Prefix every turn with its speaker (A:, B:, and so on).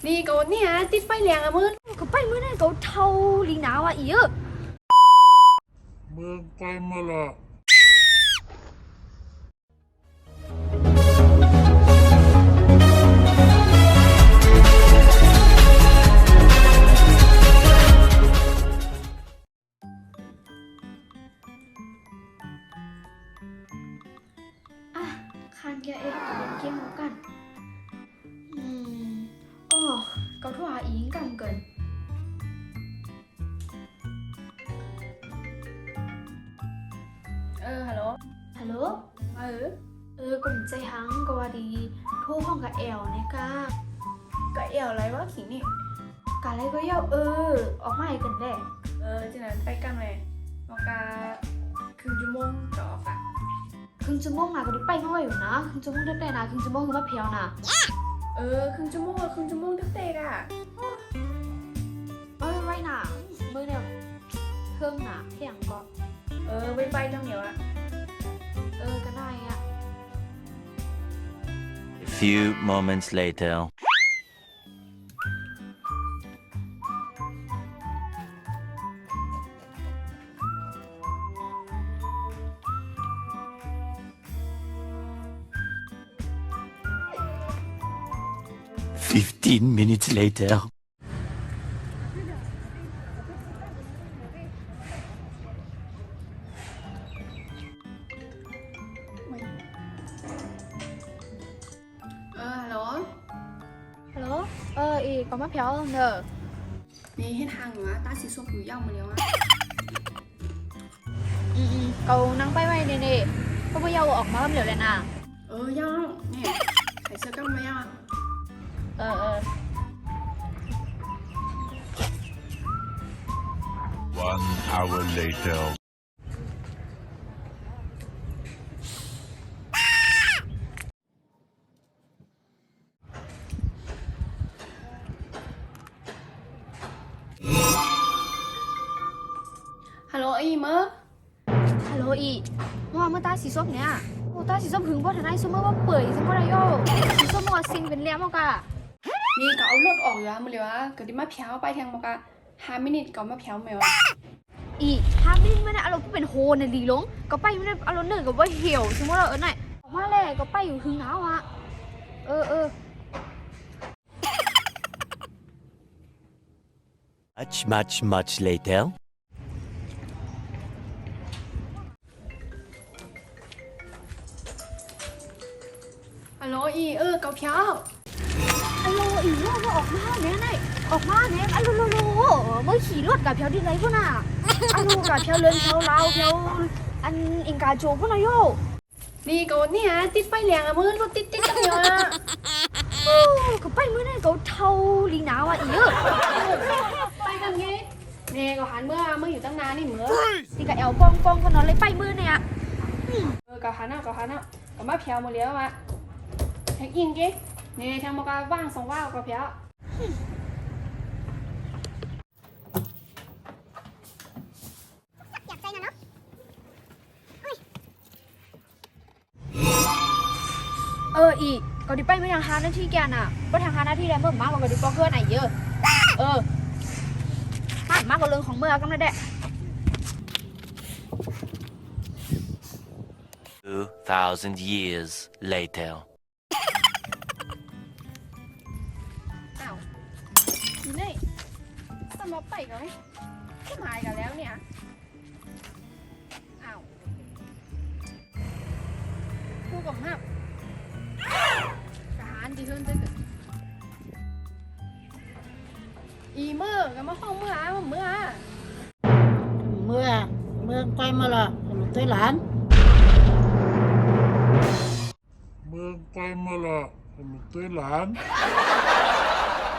A: นี่ก็เนี่ยติดไฟแรงอะมึง
B: ก็ไปมื้อนั้นก็เท่าลีหนาวอ่ะอี
C: มึงไปมาละ
B: อ่ะคานแกเอ็ดเล่นเกมแล้วกันอ๋อก็โทรหาอีกกันเกิน
A: ฮัลโหล
B: ฮัลโหล
A: เอ
B: ก็ใจหังก็ว่าดีโทรห้องกับแอลเนี่ยกะ
A: ก็เอวอะไรวะขิงนี่
B: กะอะไรก็เย้าออกมาให้กันแหละ
A: จีนั้นไปกันเลยมากาครึ่งชั่วโมงก็ออกอะ
B: ครึ่งชั่วโมงนะก็ได้ไปน้อยอยู่นะครึ่งชั่วโมงได้นะครึ่งชั่วโมงคือมาเพียวนะ
A: ครึ่งชั่วโมงอะครึ่งชั่วโมงเด็กๆอะ
B: ไรน่ะมือเนี่ยเครื่องน่ะเที่ยงก็
A: ไปจังเหนียวอะ
B: ก็ได้อ่ะ
D: A few moments later. "15 minutes later."
A: ฮัลโหล
B: ฮัลโหลอีก็มาเพียวเนอะ
A: นี่ให้ทางเหรอตาสีส้มผิวย่ำมาแล้วอะ
B: เขานั่งไปไว้เนี่ยก็ไม่ยาวออกมาเหลือเลยนะ
A: ย่ำเนี่ยใส่เสื้อกันไหมอ่ะ
C: One hour later.
A: ฮัลโหลอีเมอร์
B: ฮัลโหลอีว่าเมื่อตาสีส้มเนี่ยตาสีส้มหึงบ่ทันได้ซุมื้อว่าเปื่อยซุมื้อไรโยสีส้มว่าซิงเป็นเลี้ยมกะ
A: นี่ก็เอารถออกอยู่อะมาเลยวะก็ดิมาเพียวไปทางมากะ5 มินิก็มาเพียวแมว
B: อี5 มินิไม่ได้อารมณ์เป็นโฮน่ะดีลงก็ไปไม่ได้อารมณ์เนิ่นก็ว่าเหี่ยวซุมื้อเราน่ะออกมาแล้วก็ไปอยู่หึงหนาวอ่ะ
D: Much later.
A: ฮัลโหลอีเกาเพียว
B: ฮัลโหลอีว่าออกมาเนี่ยไหนออกมาเนี่ยอัลโลโลเมื่อขี่รถกับเพียวที่ไหนพุ่นน่ะอัลโลกับเพียวเลินเพียวลาวเพียวอันอิงกาโจพุ่นน่ะโย
A: นี่ก็เนี่ยติดไฟแรงอะมึงรถติดจังเลยอะ
B: ก็ไปมื้อนั้นก็เท่าลีหนาวอ่ะอี
A: ไปกันไงเนี่ยก็หันเมื่ออยู่ตั้งนานนี่เหมือ
B: สิกะแอลปองก็นอนเลยไปมื้อเนี่ย
A: ก็หันเอาก็มาเพียวมาเลี้ยวอะแท็กอินกี้เนี่ยทางมากาว่าง2 ว่าวก็เพียว
B: อยากใจนะเนาะอีกก็ดิไปไม่ทางหน้าที่แกน่ะก็ทางหน้าที่แล้วเมื่อมากกว่าดิปอเกอร์ไหนเยอะมากกว่าเรื่องของเมื่อกันนะเด็ก
D: 2,000 years later.
A: นี่สำหรับไปกันไหมก็หมายกันแล้วเนี่ยพูดกับห้ามทหารดีเพิ่มจะเกิดอีเมื่อกับมาห้องเมื่อ
E: ไปมาละหลุดตัวหลาน
C: มึงไปมาละหลุดตัวหลาน